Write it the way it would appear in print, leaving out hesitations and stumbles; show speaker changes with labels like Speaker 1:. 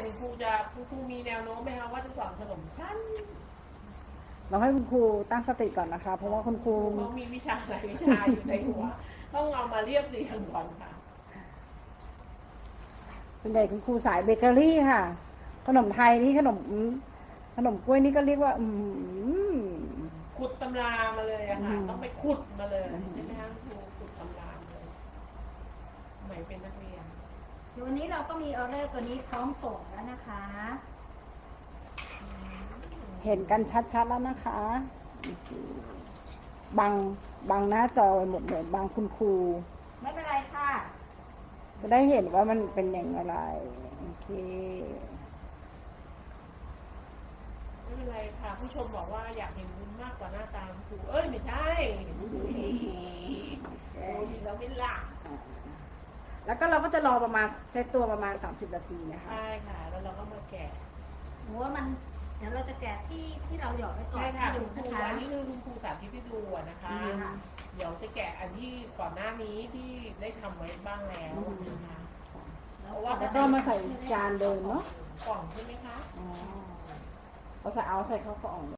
Speaker 1: คุณครูมีแนวโน้มไหมคะว่าจะสอนขนมชั้น
Speaker 2: เราให้คุณครูตั้งสติก่อนนะคะเพราะว่าคุณครู
Speaker 1: เขามีวิชาหลายวิชาอยู่ในหัวต้องเอามาเรียบเรียงก่อนค่ะ
Speaker 2: เป็นใหญ่คุณครูสายเบเกอรี่ค่ะขนมไทยนี่ขนมกล้วยนี่ก็เรียกว่า
Speaker 1: ขุดตำรามาเลยอะค่ะต้องไปขุดมาเลยใช่ไหมคะครูขุดตำราเลยสมัยเป็นนักเรียน
Speaker 3: วันนี้เราก็มีออเดอร์ตัวนี้พร้อมส่งแล้วนะคะ
Speaker 2: เห็นกันชัดๆแล้วนะคะบังหน้าจอไปหมดเลยบังคุณครู
Speaker 3: ไม่เป็นไรค่ะ
Speaker 2: จะได้เห็นว่ามันเป็นอย่างไรโอเค
Speaker 1: ไม่เป็นไรค่ะผู้ชมบอกว่าอยากเห็นวุ้นมากกว่าหน้าตาครูไม่ใช่โอ้ยเราไม่หลัก
Speaker 2: แล้วก็เราก็จะรอประมาณเซตตัวประมาณ30 นาทีนะคะ
Speaker 1: ใช่ค่ะแล้วเราก็มาแกะ
Speaker 3: หรือว่ามันเดี๋ยวเราจะแกะที่เราหยอดไว้ก่อน
Speaker 1: ใช่ค่ะ
Speaker 3: ดู
Speaker 1: คุณครู
Speaker 3: นะคะ
Speaker 1: อันนี้คือคุณครูสาธิตให้ดูนะคะเดี๋ยวจะแกะอันที่ก่อนหน้านี้ที่ได้ทำไว้บ้างแล้วนะคะ
Speaker 2: แล้วก็มาใส่จานเดิมเนาะ
Speaker 1: กล่องใช่ไหมคะ
Speaker 2: อ๋อเอาใส่เข้ากล่อง